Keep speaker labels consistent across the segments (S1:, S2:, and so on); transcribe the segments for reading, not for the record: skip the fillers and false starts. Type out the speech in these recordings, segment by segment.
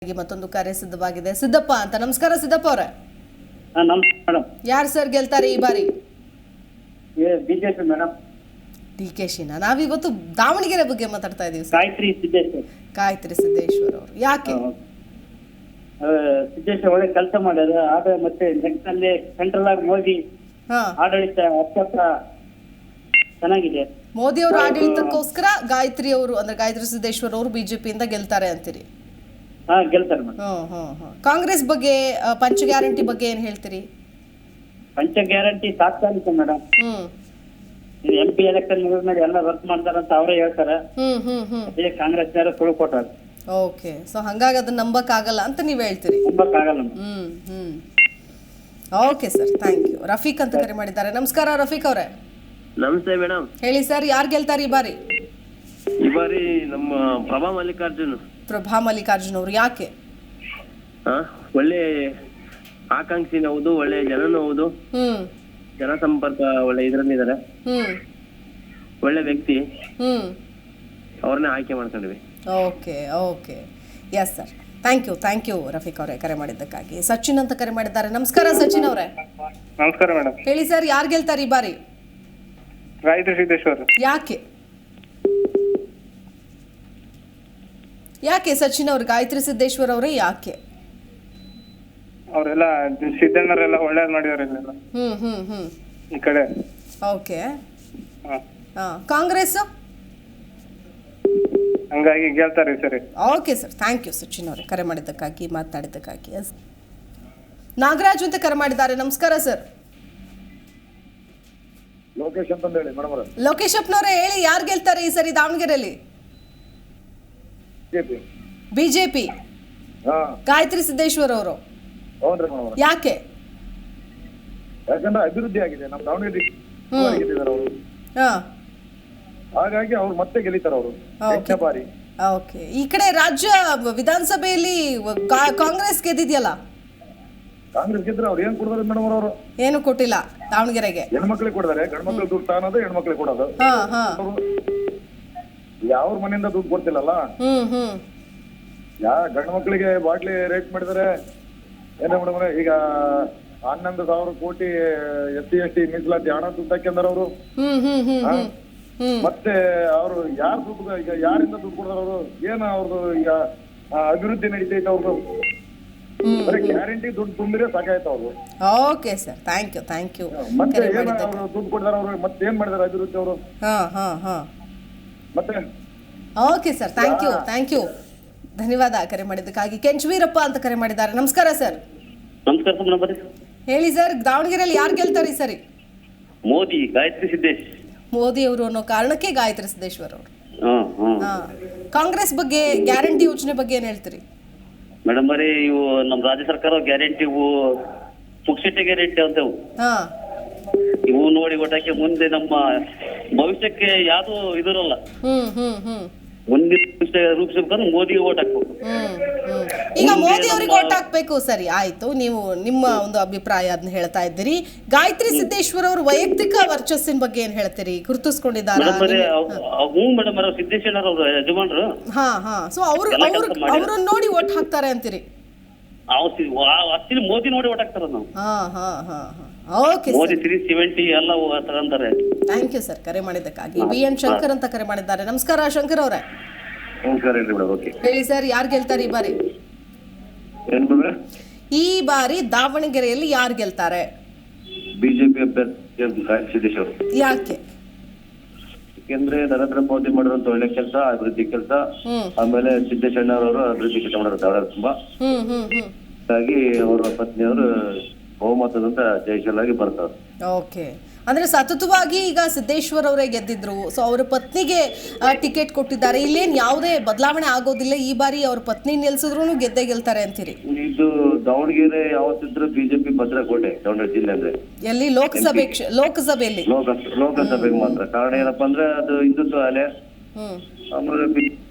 S1: ಮತ್ತೊಂದು ಕರೆ ಸಿದ್ಧವಾಗಿದೆ. ಸಿದ್ದಪ್ಪ ಅಂತ. ನಮಸ್ಕಾರ ಸಿದ್ದಪ್ಪ ಅವರೇ.
S2: ನಮಸ್ಕಾರ ಮೇಡಮ್.
S1: ಯಾರು ಸರ್ ಗೆಲ್ತಾರೆ ಈ ಬಾರಿ?
S2: BJP madam.
S1: ಡಿಕೆಶಿನ. ನಾವಿವತ್ತು ದಾವಣಗೆರೆ ಬಗ್ಗೆ ಮಾತಾಡ್ತಾ ಇದೀವಿ ಸರ್. ಗಾಯತ್ರಿ ಸಿದ್ದೇಶ್ವರ್ ಅವರು. ಯಾಕೆ?
S2: ಸಿದ್ದೇಶ್ವರ್ ಒಳ್ಳೆ ಕೆಲಸ ಮಾಡ್ಯಾರ. ಆದ್ರೆ ಮತ್ತೆ ನೆಕ್ಸ್ಟ್ ಅಲ್ಲಿ ಸೆಂಟ್ರಲ್ ಆಗಿ ಮೋದಿ ಆಡಳಿತ ಅತ್ಯಂತ ಚೆನ್ನಾಗಿದೆ.
S1: ಮೋದಿ ಅವರ ಆಡಳಿತಕ್ಕೋಸ್ಕರ ಗಾಯತ್ರಿ ಅವರು ಅಂದ್ರೆ ಗಾಯತ್ರಿ ಸಿದ್ದೇಶ್ವರ್ ಅವರು ಬಿಜೆಪಿಯಿಂದ ಗೆಲ್ತಾರೆ ಅಂತೀರಿ?
S2: ಗೆಲ್ತಾರೆ ಮೇಡಮ್.
S1: ಕಾಂಗ್ರೆಸ್ ಬಗ್ಗೆ ಪಂಚ ಗ್ಯಾರಂಟಿ ಬಗ್ಗೆ ಏನ್ ಹೇಳ್ತೀರಿ?
S2: ಪಂಚ ಗ್ಯಾರಂಟಿ ತಾತ್ಕಾಲಿಕ ಮೇಡಮ್. MP ಎಲೆಕ್ಷನ್ ಮುಗಿದ್ಮೇಲೆ ಎಲ್ಲ ವರ್ಕ್ ಮಾಡ್ತಾರಂತ ಅವರೇ ಹೇಳ್ತಾರೆ. ಅದೇ ಕಾಂಗ್ರೆಸ್ನವರು ಸುಳ್ಳು ಕೊಟ್ಟಾರ.
S1: ಓಕೆ, ಸೊ ಹಂಗಾಗಿ ಅದನ್ನ ನಂಬಕ್ ಆಗಲ್ಲ ಅಂತ ನೀವ್ ಹೇಳ್ತೀರಿ?
S2: ನಂಬಕ್ ಆಗಲ್ಲ.
S1: Okay sir, thank you. Rafiq ಅಂತ ಕರೆ ಮಾಡಿದ್ದಾರೆ. ನಮಸ್ಕಾರ ರಫೀಕ್ ಅವರೇ.
S3: ನಮಸ್ತೆ ಮೇಡಮ್.
S1: ಹೇಳಿ ಸರ್, ಯಾರು ಗೆಲ್ತಾರೆ ಈ ಬಾರಿ?
S3: ಈ ಬಾರಿ ನಮ್ಮ ಪ್ರಭಾ ಮಲ್ಲಿಕಾರ್ಜುನ್.
S1: ಪ್ರಭಾ ಮಲ್ಲಿಕಾರ್ಜುನ್ ಅವರು. ಯಾಕೆ?
S3: ಒಳ್ಳೆ ಆಕಾಂಕ್ಷಿನ ಹೌದು, ಒಳ್ಳೆ ಜನನೂ ಹೌದು, ಜನಸಂಪರ್ಕ ಒಳ್ಳೆ ಇದ್ರಲ್ಲಿದ್ದಾರೆ, ಒಳ್ಳೆ ವ್ಯಕ್ತಿ, ಅವ್ರನ್ನೇ ಆಯ್ಕೆ ಮಾಡ್ಕೊಂಡಿವಿ.
S1: Okay okay, yes sir, thank you Rafiq ಅವರೇ ಕರೆ ಮಾಡಿದ್ದಕ್ಕಾಗಿ. ಸಚಿನ್ ಅಂತ ಕರೆ ಮಾಡಿದ್ದಾರೆ. ನಮಸ್ಕಾರ ಸಚಿನ್ ಅವರೇ.
S4: ನಮಸ್ಕಾರ ಮೇಡಮ್.
S1: ಹೇಳಿ ಸರ್, ಯಾರು ಗೆಲ್ತಾರೆ ಈ ಬಾರಿ?
S4: ಗಾಯತ್ರಿ ಸಿದ್ದೇಶ್ವರ್.
S1: ಯಾಕೆ ಸಚಿನ್ ಅವ್ರು? ಗಾಯತ್ರಿ ಸಿದ್ದೇಶ್ವರ್ ಅವರೇ ಯಾಕೆ?
S4: ಅವರೆಲ್ಲ ಸಿದ್ದಣ್ಣರೆಲ್ಲ ಒಳ್ಳೇದ್ ಮಾಡಿದಾರೆ ಇಲ್ಲೆಲ್ಲ ಈ ಕಡೆ.
S1: ಓಕೆ. ಕಾಂಗ್ರೆಸ್
S4: ಹಂಗಾಗಿ ಗೆಲ್ತಾರೆ ಸರಿ.
S1: Okay sir, thank you Sachin ಅವರೇ ಕರೆ ಮಾಡಿದ್ದಕ್ಕಾಗಿ, ಮಾತನಾಡಿದ್ದಕ್ಕಾಗಿ. ನಾಗರಾಜ್ ಅಂತ ಕರೆ ಮಾಡಿದ್ದಾರೆ. ನಮಸ್ಕಾರ ಸರ್. ಲೋಕೇಶ್ ಅಪ್ಪನವರೇ ಹೇಳಿ, ಯಾರು ಗೆಲ್ತಾರೆ ಈ ಸರಿ ದಾವಣಗೆರೆಯಲ್ಲಿ? ಬಿಜೆಪಿ. ಗಾಯತ್ರಿ ಸಿದ್ದೇಶ್ವರ್ ಅವರು. ಯಾಕೆ?
S5: ಯಾಕಂದ್ರೆ ಅಭಿವೃದ್ಧಿ ಆಗಿದೆ ನಮ್ಮ ದಾವಣಗೆರೆ, ಹಾಗಾಗಿ ಅವ್ರು ಮತ್ತೆ ಗೆಲ್ಲಿತಾರ ಅವರು.
S1: ಓಕೆ. ಈ ಕಡೆ ರಾಜ್ಯ ವಿಧಾನಸಭೆಯಲ್ಲಿ ಕಾಂಗ್ರೆಸ್ ಗೆದ್ದಿದ್ಯಲ್ಲ?
S5: ಕಾಂಗ್ರೆಸ್ ಗೆದ್ರೆ ಅವ್ರು ಏನ್ ಕೊಡ್ತಾರೆ ಮೇಡಮ್? ಅವರು
S1: ಏನು ಕೊಟ್ಟಿಲ್ಲ ದಾವಣಗೆರೆಗೆ.
S5: ಹೆಣ್ಮಕ್ಳಿಗೆ ಕೊಡ್ತಾರೆ. ಗಂಡ್ಮಕ್ಳು ದುಡ್ಡು ತಾನೋದು, ಹೆಣ್ಮಕ್ಳಿಗೆ ಕೊಡೋದು. ಯಾವ ಮನೆಯಿಂದ ದುಡ್ಡು ಕೊಡ್ತಿಲ್ಲಲ್ಲ. ಗಂಡು ಮಕ್ಳಿಗೆ ಬಾಟ್ಲಿ ರೇಟ್ ಮಾಡಿದರೆ ಏನ ಮೇಡಮ್? ಈಗ 11,000 ಕೋಟಿ SC/ST ಮೀಸಲಾತಿ ಹಣ ದುಡ್ಡು ಹಾಕ್ಯಂದಾರ ಅವರು. ಮತ್ತೆ ಅವರು ಯಾರು ದುಡ್ಡು, ಈಗ ಯಾರಿಂದ ದುಡ್ಡು ಕೊಡ್ತಾರ ಅವರು? ಏನ ಅವ್ರದ್ದು ಈಗ ಅಭಿವೃದ್ಧಿ ನಡೀತೈತೆ ಅವ್ರದ್ದು? ಗ್ಯಾರಂಟಿ ದುಡ್ಡು ತುಂಬಿದ್ರೆ ಸಾಕಾಯ್ತು ಅವ್ರು.
S1: Okay sir, thank you.
S5: ಮತ್ತೆ ಏನ ಅವರು ದುಡ್ಡು ಕೊಡ್ತಾರ ಅವರು? ಮತ್ತೆ ಏನ್ ಮಾಡಿದಾರೆ ಅಭಿವೃದ್ಧಿ ಅವರು? ಮತ್ತೆ
S1: ಓಕೆ ಸರ್, ಥ್ಯಾಂಕ್ ಯು. ಧನ್ಯವಾದ ಕರೆ ಮಾಡಿದ್ದಕ್ಕಾಗಿ. ಕೆಂಚವೀರಪ್ಪ ಅಂತ ಕರೆ ಮಾಡಿದ್ದಾರೆ. ನಮಸ್ಕಾರ ಸರ್.
S2: ನಮಸ್ಕಾರ.
S1: ಹೇಳಿ ಸರ್, ದಾವಣಗೆರೆಯಲ್ಲಿ ಯಾರು ಗೆಲ್ತಾರೆ ಈ ಸರಿ?
S2: ಮೋದಿ, ಗಾಯತ್ರಿ ಸಿದ್ದೇಶ್.
S1: ಮೋದಿ ಅವರು ಅನ್ನೋ ಕಾರಣಕ್ಕೆ ಗಾಯತ್ರಿ ಸಿದ್ದೇಶ್ವರ್ ಅವರು. ಕಾಂಗ್ರೆಸ್ ಬಗ್ಗೆ ಗ್ಯಾರಂಟಿ ಯೋಜನೆ ಬಗ್ಗೆ ಏನ್ ಹೇಳ್ತೀರಿ?
S2: ಮೇಡಮ್ ಬರೀ ಇವು ನಮ್ಮ ರಾಜ್ಯ ಸರ್ಕಾರ ಗ್ಯಾರಂಟಿ, ಇವು ಪುಕ್ಷಿಟ ಗ್ಯಾರಂಟಿ ಅಂತವು. ಇವು ನೋಡಿ ಒಟ್ಟಾಕೆ ಮುಂದೆ ನಮ್ಮ ಭವಿಷ್ಯಕ್ಕೆ ಯಾವ್ದು ಇದಿರಲ್ಲ. ಮುಂದಿನ ರೂಪಿಸಬೇಕಂದ್ರೆ ಮೋದಿಗೆ ಓಟ್ ಹಾಕ್ಬೇಕು.
S1: ಈಗ ಮೋದಿ ಅವರಿಗೆ ಓಟ್ ಹಾಕ್ಬೇಕು. ಸರಿ, ಆಯ್ತು. ನೀವು ನಿಮ್ಮ ಒಂದು ಅಭಿಪ್ರಾಯ ಅದನ್ನ ಹೇಳ್ತಾ ಇದ್ದೀರಿ. ಗಾಯತ್ರಿ ಸಿದ್ದೇಶ್ವರ್ ಅವರು ವೈಯಕ್ತಿಕ ವರ್ಚಸ್ಸಿನ ಬಗ್ಗೆ ಏನ್ ಹೇಳ್ತೀರಿ? ಗುರುತಿಸ್ಕೊಂಡಿದ್ದಾರೆ?
S2: ಮೇಡಮ್ ಸಿದ್ದೇಶ್ವರ ಅವರು ಯಜಮಾನ್ರು.
S1: ಸೊ ಅವ್ರನ್ನ ನೋಡಿ ಓಟ್ ಹಾಕ್ತಾರೆ ಅಂತೀರಿ?
S2: ಮೋದಿ ನೋಡಿ ಓಟ್ ಹಾಕ್ತಾರ ನಾವು.
S1: ಓಕೆ,
S2: ಮೋದಿ 370 ಎಲ್ಲ ತಗೊಂತಾರೆ.
S1: ಥ್ಯಾಂಕ್ ಯು ಸರ್ ಕರೆ ಮಾಡಿದ್ದಕ್ಕಾಗಿ. BN ಶಂಕರ್ ಅಂತ ಕರೆ ಮಾಡಿದ್ದಾರೆ. ನಮಸ್ಕಾರ ಶಂಕರ್ ಅವರೇ. ಹೇಳಿ ಸರ್, ಯಾರು ಗೆಲ್ತಾರೆ ಈ ಬಾರಿ? ಈ ಬಾರಿ ದಾವಣಗೆರೆಯಲ್ಲಿ ಯಾರು ಗೆಲ್ತಾರೆ?
S3: ಬಿಜೆಪಿ ಅಭ್ಯರ್ಥಿ ಸಿದ್ದೇಶ್ವರ್.
S1: ಯಾಕೆ?
S3: ಯಾಕೆಂದ್ರೆ ನರೇಂದ್ರ ಮೋದಿ ಮಾಡಿರುವಂತ ಒಳ್ಳೆ ಕೆಲಸ, ಅಭಿವೃದ್ಧಿ ಕೆಲಸ, ಆಮೇಲೆ ಸಿದ್ದೇಶ್ವರನವರು ಅಭಿವೃದ್ಧಿ ಕೆಲಸ ಮಾಡಿರ್ತಾರೆ ತುಂಬಾ. ಹಾಗಾಗಿ ಅವರ ಪತ್ನಿಯವರು ಬಹುಮತದಿಂದ ಜಯಶೀಲಾಗಿ ಬರ್ತಾರೆ.
S1: ಓಕೆ, ಅಂದ್ರೆ ಸತತವಾಗಿ ಈಗ ಸಿದ್ದೇಶ್ವರ್ ಅವರೇ ಗೆದ್ದಿದ್ರು. ಸೊ ಅವರ ಪತ್ನಿಗೆ ಟಿಕೆಟ್ ಕೊಟ್ಟಿದ್ದಾರೆ. ಇಲ್ಲೇನ್ ಯಾವುದೇ ಬದಲಾವಣೆ ಆಗೋದಿಲ್ಲ. ಈ ಬಾರಿ ಅವ್ರ ಪತ್ನಿ ನಿಲ್ಸಿದ್ರು ಗೆದ್ದೇ ಗೆಲ್ತಾರೆ ಅಂತೀರಿ?
S3: ಇದು ದಾವಣಗೆರೆ ಯಾವತ್ತಿದ್ರು ಬಿಜೆಪಿ ಭದ್ರಕೋಟೆ. ದಾವಣಗೆರೆ ಜಿಲ್ಲೆ ಅಂದ್ರೆ
S1: ಎಲ್ಲಿ? ಲೋಕಸಭೆಯಲ್ಲಿ
S3: ಲೋಕಸಭೆಗೆ ಮಾತ್ರ. ಕಾರಣ ಏನಪ್ಪಾ ಅಂದ್ರೆ ಅದು ಹಿಂದುತ್ವ ಅಲೆ, ಆಮೇಲೆ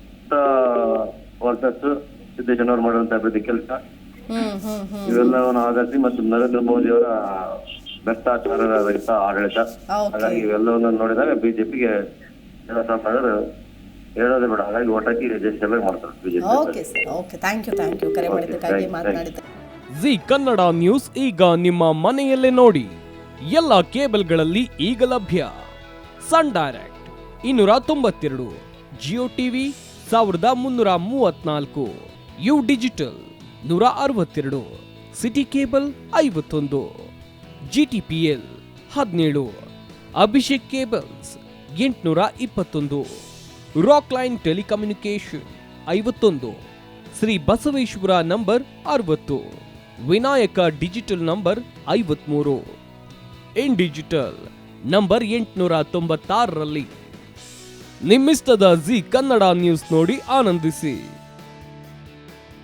S3: ವರ್ಸಸ್ ಸಿದ್ದೇಶ್ವರ ಮಾಡುವಂತ ಅಭಿವೃದ್ಧಿ ಕೆಲಸ, ಇವೆಲ್ಲವನ್ನು ಆಧರಿಸಿ ಮತ್ತು ನರೇಂದ್ರ ಮೋದಿ ಅವರ ಭ್ರಷ್ಟಾಚಾರ ರಹಿತ ಆಡಳಿತ, ಹಾಗಾಗಿ ಇವೆಲ್ಲವನ್ನು ನೋಡಿದಾಗ ಬಿಜೆಪಿಗೆ ಜನಸಾಮಾನ್ಯರು ಹೇಳೋದೇ ಬೇಡ. ಹಾಗಾಗಿ ಓಟ್ ಹಾಕಿ ರಿಜಿಸ್ಟರ್ ಮಾಡ್ತಾರೆ BJP.
S1: Okay sir, okay, thank you ಕರೆ ಮಾಡಿದ್ದಕ್ಕಾಗಿ, ಮಾತನಾಡಿದ್ದೆ.
S6: ಜಿ ಕನ್ನಡ ನ್ಯೂಸ್ ಈಗ ನಿಮ್ಮ ಮನೆಯಲ್ಲೇ ನೋಡಿ. ಎಲ್ಲ ಕೇಬಲ್ಗಳಲ್ಲಿ ಈಗ ಲಭ್ಯ. Sun Direct 292, Jio TV 1334, U Digital 162, City Cable 51, GTPL 17, Abhishek cables 821, Rock Line Telecommunication 51, Shri Basaveshwara number 60, Vinayaka digital number 53, In Digital number 896ರಲ್ಲಿ. ನಿಮ್ಮಿಷ್ಟದ ಜಿ ಕನ್ನಡ ನ್ಯೂಸ್ ನೋಡಿ ಆನಂದಿಸಿ.